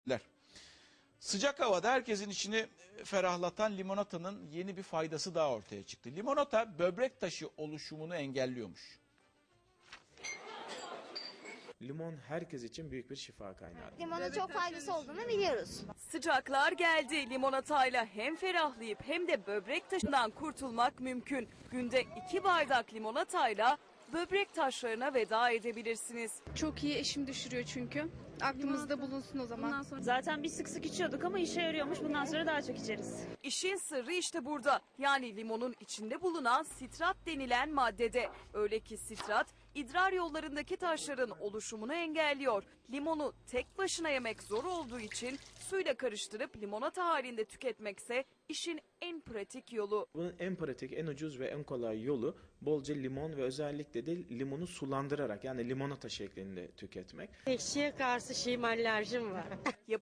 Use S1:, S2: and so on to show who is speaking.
S1: Sıcak havada herkesin içini ferahlatan limonatanın yeni bir faydası daha ortaya çıktı. Limonata böbrek taşı oluşumunu engelliyormuş.
S2: Limon herkes için büyük bir şifa kaynağı.
S3: Limonun çok faydası olduğunu biliyoruz.
S4: Sıcaklar geldi. Limonatayla hem ferahlayıp hem de böbrek taşından kurtulmak mümkün. Günde 2 bardak limonatayla böbrek taşlarına veda edebilirsiniz.
S5: Çok iyi, eşim düşürüyor çünkü. Aklımızda bulunsun o zaman.
S6: Zaten biz sık sık içiyorduk ama işe yarıyormuş. Bundan sonra daha çok içeriz.
S4: İşin sırrı işte burada. Yani limonun içinde bulunan sitrat denilen maddede. Öyle ki sitrat idrar yollarındaki taşların oluşumunu engelliyor. Limonu tek başına yemek zor olduğu için suyla karıştırıp limonata halinde tüketmekse işin en pratik yolu.
S2: Bunun en pratik, en ucuz ve en kolay yolu bolca limon ve özellikle de limonu sulandırarak, yani limonata şeklinde tüketmek.
S7: Ekşiye karşı alerjim var.